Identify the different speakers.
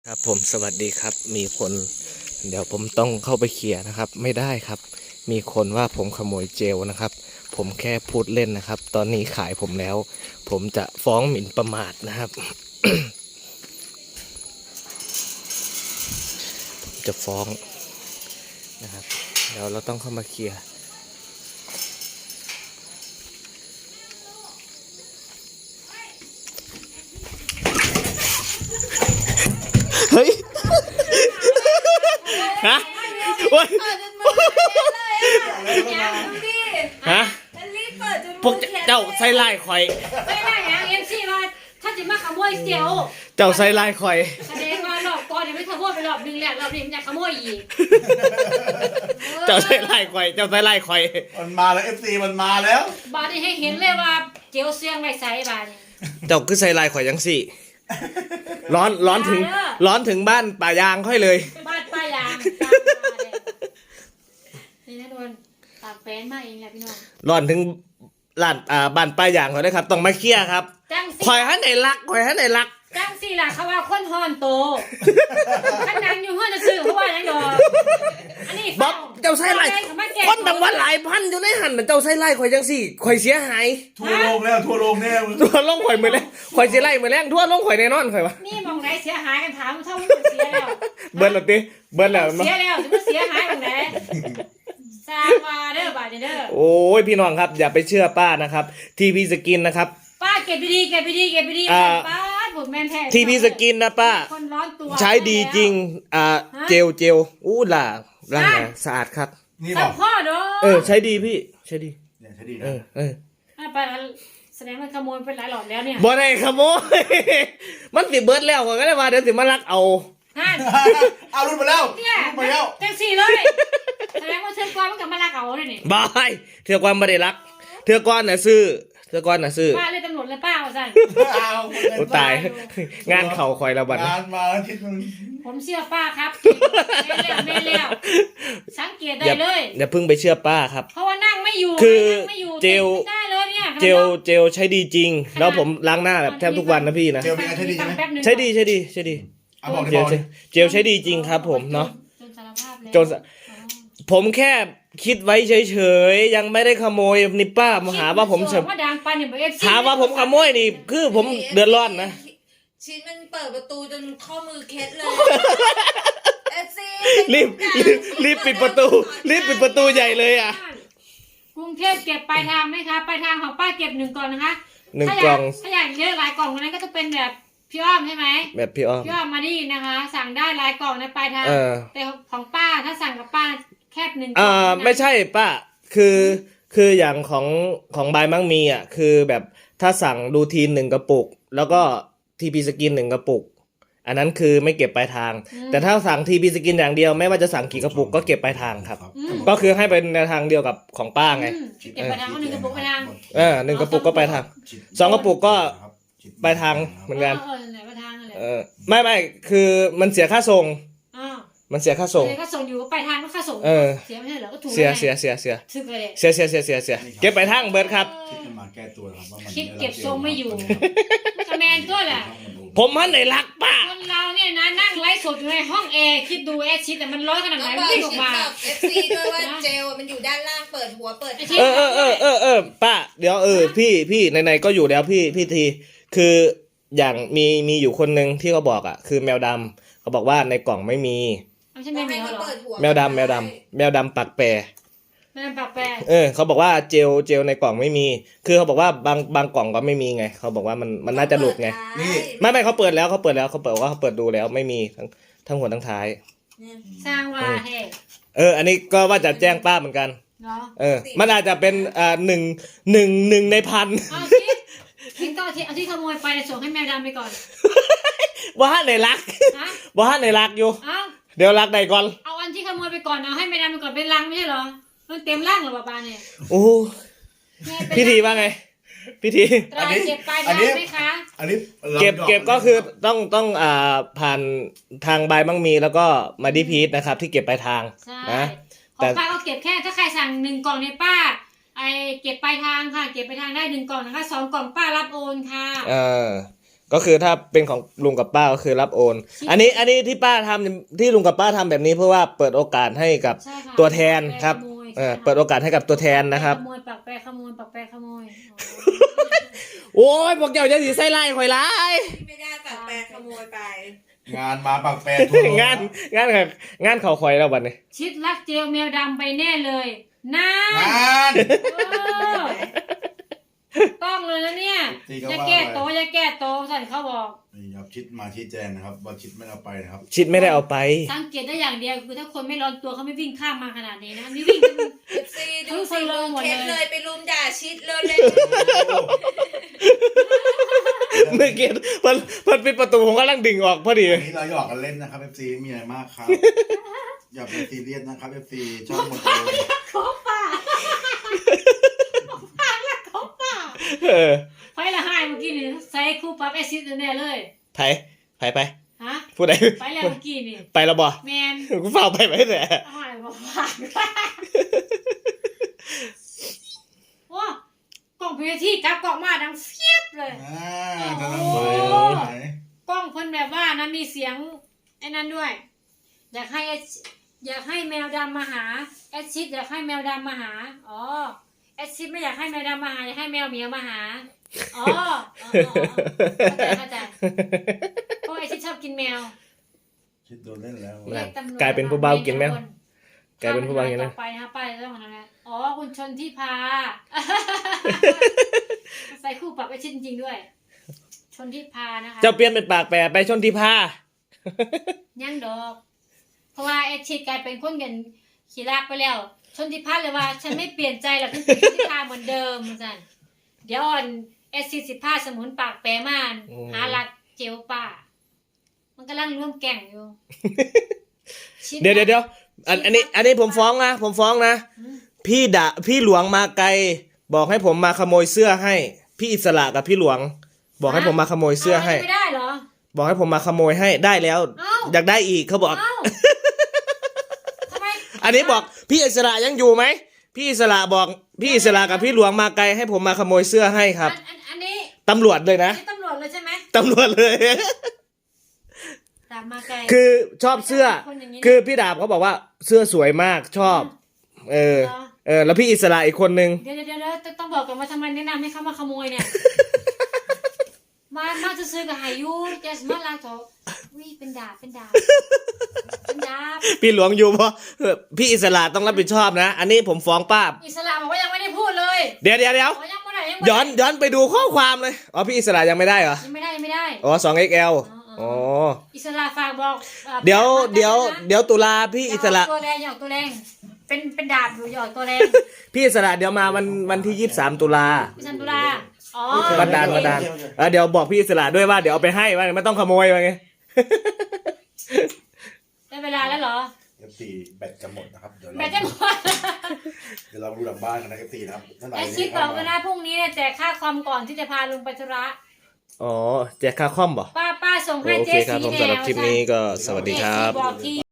Speaker 1: ครับผมสวัสดีครับมีคนเดี๋ยวผมต้องเข้าไปเคลียร์นะครับไม่ได้ครับมีคนว่าผมขโมยเจลนะครับผมแค่พูดเล่นนะครับตอนนี้ขายผมแล้วผมจะฟ้องหมิ่นประมาทนะครับ จะฟ้องนะครับเดี๋ยวเราต้องเข้ามาเคลียร์เฮ้ยฮะโอ๊ยฮะพวกเจ้าใส่ลายข่อย
Speaker 2: ไม่ได้ยังเอ็มซีมาถ้าจะมาขโมยเสียว
Speaker 1: เจ้าใส่ลายข่อย
Speaker 2: แสดงว่าหลอกก่อนยังไม่ขโมยไปรอบนึงแล้วรอบนี้มันจะขโมยอีก
Speaker 1: เจ้าใส่ลายข่อยเจ้าใส่ลายข่อย
Speaker 3: มันมาแล้ว FC มันมาแล้ว
Speaker 2: บาดนี้ให้เห็นเลยว่าเจียวเสียงไว้ใส่บาดนี้
Speaker 1: เจ้าคือใส่ลายข่อยยังสิร้อนถึงบ้านป่ายางค่อยเลย
Speaker 2: บ้านป้ายางนี่นะโดนตากแฟนมาเองแหละพี่น้อง
Speaker 1: ร้อนถึงร้านบ้านป้ายางเขาเลยครับต้องมาเคลียร์ครับข่อยให้ไหนรัก
Speaker 2: จังสี่ล่ะเขาว่าคนฮอนโตขันนังอยู่ห้องจะซื้อเขาว่ายังดอกอันนี้
Speaker 1: บ๊อบเจ้าใส่ลายคนดังว่าหลายพันอยู่ในหันเจ้าใส่ลายข่อยยังสิข่อยเสียหาย
Speaker 3: ทั่วโลกแล้วทั่วโลกแน่
Speaker 1: ทั่วลงข่อยมือแล้วข่อยเสียไล่มือแรงทั่วลงข่อยแน่นอนข่อยวะ
Speaker 2: นี่มองไหนเสียหายกันถามเท่าเสียแล้ว
Speaker 1: เบิร์ดแล้วติเบิร์ดแล้ว
Speaker 2: เสียแล้วจะเสียหายตรงไหนซามาเด้อบาดเด้อ
Speaker 1: โอ้ยพี่น้องครับอย่าไปเชื่อป้านะครับทีพีสกินนะครับ
Speaker 2: ป้าเก็บไปดีป้าผมแมนแท้
Speaker 1: ทีพีสกินนะป้า
Speaker 2: คนร้อนตัว
Speaker 1: ใช้ดีจริงเจลอู้ล่ะร่างนะสะอาดครับ
Speaker 3: นี่บอก
Speaker 2: พ่อเด้อ
Speaker 1: ใช้ดีพี่ใช้ดี
Speaker 3: เนี่ยใช้ดีนะ
Speaker 2: ไปแสดงมันขโมยเป็นหลายหลอดแล้วเนี่ย
Speaker 1: บ่ได้ขโมยมันสิเบิร์ดแล้วก็ได้มาเดี๋ยวสิมาลักเอา
Speaker 3: เอารุ่นมาแล้ว
Speaker 2: จังสี่เลยแสดงว่าเธอกวานมันกับมาลักเอาเลยนี่
Speaker 1: บายเธอกวานไม่ได้รักเธอกวานน่ะซื้อป้า
Speaker 2: เลยตำรวจเลยป้าว่าสั่น
Speaker 1: ตายงานเข่าคอยระบาด
Speaker 3: งานมาทิศนึง
Speaker 2: ผมเชื่อป้าครับแม่เลี้ยวสังเกตได้เลย
Speaker 1: อย่าเพิ่งไปเชื่อป้าครับ
Speaker 2: เพราะว่านั่งไม่อยู่
Speaker 1: คือเจลใช้ดีจริงแล้วผมล้างหน้าแบบแทบทุกวันนะพี่นะ
Speaker 3: เจลเป็นไงใช้ดีใช่ไหม
Speaker 1: ใช้ดีเจลใช้ดีจริงครับผมเนาะจนผมแค่คิดไว้เฉยๆยังไม่ได้ขโมยนี่ป้ามาหาว่าผมหาว่าผมขโมยนี่คือผมเดือดร้อนนะ
Speaker 4: ชิ้นมันเปิดประตูจนข้อมือเคล็ดเลย
Speaker 1: รีบปิดประตูใหญ่เลยอ่ะ
Speaker 2: กรุงเทพเก็บปลายทางไหมคะปลายทางของป้าเก็บ1 กล่องนะคะ
Speaker 1: 1 กล่อง
Speaker 2: ถ้าอยากเยอะหลายกล่องนั้นก็จะเป็นแบบพี่อ้อมใช่ไหม
Speaker 1: แบบพี่อ้อม
Speaker 2: มาดีนะคะสั่งได้หลายกล่องในปลายทางแต่ของป้าถ้าสั่งกับป้าแค่1 กล่อง
Speaker 1: ไม่ใช่ป้าคืออย่างของบายมั่งมีอ่ะคือแบบถ้าสั่งดูที1 กระปุกแล้วก็ทีพีสกิน1 กระปุกอันนั้นคือไม่เก็บปลายทางแต่ถ้าสั่งทีพีสกินอย่างเดียวไม่ว่าจะสั่งกี่กระปุกก็เก็บปลายทางครับก็คือให้เป็นแนวทางเดียวกับของป้าไง
Speaker 2: เก็บปลายทางก็1 กระปุกปลายทาง
Speaker 1: 1 กระปุกก็ปลายทาง2 กระปุกก็ปลายทางเหมือนกันไม่คือมันเสียค่าส่งมันเสียค่าส่ง
Speaker 2: อยู่ปลายทางก็ค่าส่งเสียไม่ใช่เหรอก็ถูก
Speaker 1: เสียเก็บปลายทางเบิร์ดครับ
Speaker 3: คิดมาแก้ตัวครับว่ามัน
Speaker 2: คิดเก็บทรงไม่อยู่คะแนนก็แหละ
Speaker 1: ผมมันไหนรักป้า
Speaker 2: คนเราเนี่ยนะนั่งไลฟ์สดอยู่ในห้องแอร์คิดดูแอร์ชิดแต่มันร้อนขนาดไหนมันวิ่งออกมา
Speaker 4: FC ด้วยว่าเจลมันอยู่ด้านล่างเปิดหัวเปิด
Speaker 1: ป้าเดี๋ยวพี่ไหนๆก็อยู่แล้วพี่ทีคืออย่างมีอยู่คนนึงที่เขาบอกอ่ะคือแมวดำเขาบอกว่าในกล่องไม่มีแมวดำปักแปรเขาบอกว่าเจลในกล่องไม่มีคือเขาบอกว่าบางกล่องก็ไม่มีไงเขาบอกว่ามันน่าจะหลุดไงไม่เขาเปิดว่าเขาเปิดดูแล้วไม่มีทั้งหัวทั้งท้าย
Speaker 2: สร้างว่าให้
Speaker 1: อันนี้ก็ว่าจะแจ้งป้าเหมือนกันมันอาจจะเป็นหนึ่งในพัน
Speaker 2: ทิ้งก็เอาที่ขโมยไปส่งให้แมวดำไปก่อน
Speaker 1: ว่าในรักอยู่เดี๋ยวรักใดก่อน
Speaker 2: เอาอันที่ขโมยไปก่อนเอาให้แมวดำไปก่อนเป็นรังไม่ใช่เหรอมันเต็มร่างหรอป้าเนี่ย
Speaker 1: โอ้พิธีว่าไงพิธี
Speaker 2: อันนี้เก็บไปได้ไหมคะ
Speaker 1: อันนี้เก็บก็คือต้องผ่านทางใบมั่งมีแล้วก็มาดีพีทนะครับที่เก็บปลายทางนะ
Speaker 2: ของป้าก็เก็บแค่ถ้าใครสั่ง1 กล่องเนี่ยป้าเก็บปลายทางค่ะเก็บปลายทางได้1 กล่องนะคะ2 กล่องป้ารับโอนค่ะ
Speaker 1: ก็คือถ้าเป็นของลุงกับป้าก็คือรับโอน อันนี้ที่ป้าทำที่ลุงกับป้าทำแบบนี้เพราะว่าเปิดโอกาสให้กับ
Speaker 2: ใช่ค่ะ
Speaker 1: ตัวแทนครับ
Speaker 2: ขโมย
Speaker 1: เปิดโอกาสให้กับตัวแทนนะครับ
Speaker 2: ขโมยปักแปรขโมยปักแปรขโมย
Speaker 1: โอ้ยพวกเจ้าจะสีไส้ไล่ข่อยไล่
Speaker 4: ไม่ได้ปากแปรขโมยไป
Speaker 3: งานมาปากแปรทั่วโลก
Speaker 1: งานเขาข่อยแล้วบัดนี้
Speaker 2: ชิดรักเจลแมวดำไปแน่เลยน่าง
Speaker 3: าน
Speaker 2: ต้องเลยนะเนี่ย
Speaker 3: จริงก็
Speaker 2: อย่า
Speaker 3: ว่า
Speaker 2: แก้โตะอย่าแก้โตะสั่นเขาบอก
Speaker 3: นี่ครับชิดมาชี้แจงนะครับว่าชิดไม่เอาไปนะครับ
Speaker 1: ชิดไม่ได้เอาไป
Speaker 2: สังเกตได้อย่างเดียวคือถ้าคนไม่ร้อนตัวเขาไม่วิ่งข้ามมาขนาดนี้นะนี่วิ่งกัน
Speaker 4: ซีดูสิลงเคสเลยไปรุมด่าชิดเลยเลย
Speaker 1: เมื่อกี้มันปิดประตูผมกำลังดึงออกพอดี
Speaker 3: อันนี้เราหยอกกันเล่นนะครับ FC มีอะไรมากครับ อย่าไปซีเรียสนะครับ FC ชอบหมดเลย
Speaker 2: ของป่าของป่า
Speaker 1: เออ
Speaker 2: ไฟละหายเมื่อกี้นี่ใส่คู่ปรับแอซิดแน่เลย
Speaker 1: ไป
Speaker 2: ฮะ
Speaker 1: พูดได้
Speaker 2: ไปแล้วเมื่อกี้นี่
Speaker 1: ไปแล้วบ่
Speaker 2: แมน
Speaker 1: กูเฝ้าไปแต่
Speaker 2: หายบอกผ่านโอ้กล้องพีที่กลับกล้องมาดังเฟียบเลย
Speaker 3: จะ
Speaker 2: โอ้
Speaker 3: ทำไหน
Speaker 2: กล้องเพิ่นแบบว่านะมีเสียงไอ้นั้นด้วย อยากให้แมวดำมาหาแอดชิดอยากให้แมวดำมาหาอ๋อแอดชิดไม่อยากให้แมวดำมาหาอยากให้แมวเหมียวมาหาอ๋อเข้าใจเพราะแอดชิดชอบกินแมว
Speaker 3: ชิดโดนเล่นแล้ว
Speaker 2: เรียตำรวจ
Speaker 1: กลายเป็นผู้เบากินแมวกลายเป็นผู้เบากิน
Speaker 2: ต่
Speaker 1: นะ
Speaker 2: อไปนะคะป้ายต้องทำอะไรอ๋อคุณชนที่พา ใส่คู่ปรับแอดชิดจริงๆด้วย ชนที่พานะคะ
Speaker 1: เจ้าเปลี่ยนเป็นปากแปรไปชนที่ผ้า
Speaker 2: ยังดอก เพราะว่าแอดชิดกลายเป็นคนเงินขี้ลากไปแล้ว ชนทิพัฒน์เลยว่า ฉันไม่เปลี่ยนใจหรอกฉันเป็นชนทิพาเหมือนเดิมจันเดี๋ยวอ่อนแอดชิด15สมุนปากแปรมานหาลักเจลป่า มันกำลังร่วมแก่งอยู่ชิ
Speaker 1: เดี๋ยวอันนี้ผมฟ้องนะพี่หลวงมาไกลบอกให้ผมมาขโมยเสื้อให้ พี่อิสระกับพี่หลวง บอกให้ผมมาขโมยเสื้อให้
Speaker 2: ไม่ได้เหรอ
Speaker 1: บอกให้ผมมาขโมยให้ได้แล้ว
Speaker 2: เอ้า
Speaker 1: อยากได้อีกเขาบอก
Speaker 2: เอ้าทำไม
Speaker 1: อันนี้บอกพี่อิสระยังอยู่ไหมพี่อิสระบอกพี่อิสระกับพี่หลวงมาไกลให้ผมมาขโมยเสื้อให้ครับ
Speaker 2: อันนี้
Speaker 1: ตำรวจเลยนะ
Speaker 2: นี่ตำรวจเลยใช่ไหม
Speaker 1: ตำรวจเลย
Speaker 2: ตามมาไกล
Speaker 1: คือชอบเสื้อ
Speaker 2: คนอย่างนี้นะ
Speaker 1: คือพี่ดาบเขาบอกว่าเสื้อสวยมากชอบ แล้วพี่อิสระอีกคนนึง
Speaker 2: เดี๋ยวต้องบอกก่อนว่าทำไมแนะนำให้เขามาขโมยเนี่ย มาจะซื้อกับหายุแกสมาลาโถวิเป็นดาบเป็นดาบ
Speaker 1: พี่หลวงอยู่เพราะพี่อิสระต้องรับผิดชอบนะ อันนี้ผมฟ้องป้า
Speaker 2: อิสระบอกว่ายังไม่ได้พูดเลย
Speaker 1: เดี๋ยว
Speaker 2: บอกยังไม่ได้ยังไม่ได้
Speaker 1: ย้อนไปดูข้อความเลยอ๋อพี่อิสระยังไม่ได้เหรอ
Speaker 2: ยังไม่ได้
Speaker 1: อ๋อ 2XL อ๋อ
Speaker 2: อิสระฝากบอก
Speaker 1: เดี๋ยวตุลาพี่อิสระ
Speaker 2: ตัวแรงหยอกตัวแรงเป็นดาบอยู่หยอกตัวแรง
Speaker 1: พี่อิสระเดี๋ยวมาวันที่23ตุลา
Speaker 2: พิชันตุลาอ๋อ
Speaker 1: บันดาลเดี๋ยวบอกพี่อิสระด้วยว่าเดี๋ยวเอาไปให้ว่าไม่ต้องขโมยว่าไง
Speaker 2: ได้เวลาแล้วเหรอ
Speaker 3: FC แบตจะหมดนะครับ เดี๋ยว
Speaker 2: แบตจะหมด
Speaker 3: เราดูหลังบ้านกันนะ FC นะครับท่านไหน
Speaker 2: แอดชิดบอกว่านะพรุ่งนี้เนี่ยแจกค่าคอมก่อนที่จะพาลุงไปธุระ
Speaker 1: อ๋อแจกค่าคอมบ่
Speaker 2: ป้าส่งให้
Speaker 1: โอ
Speaker 2: เจ๊
Speaker 1: เคครับ
Speaker 2: สี
Speaker 1: ผม
Speaker 2: แน
Speaker 1: สำหรับ
Speaker 2: ว
Speaker 1: คลิปนี้ก็สวัสดีครับ
Speaker 2: บอกที่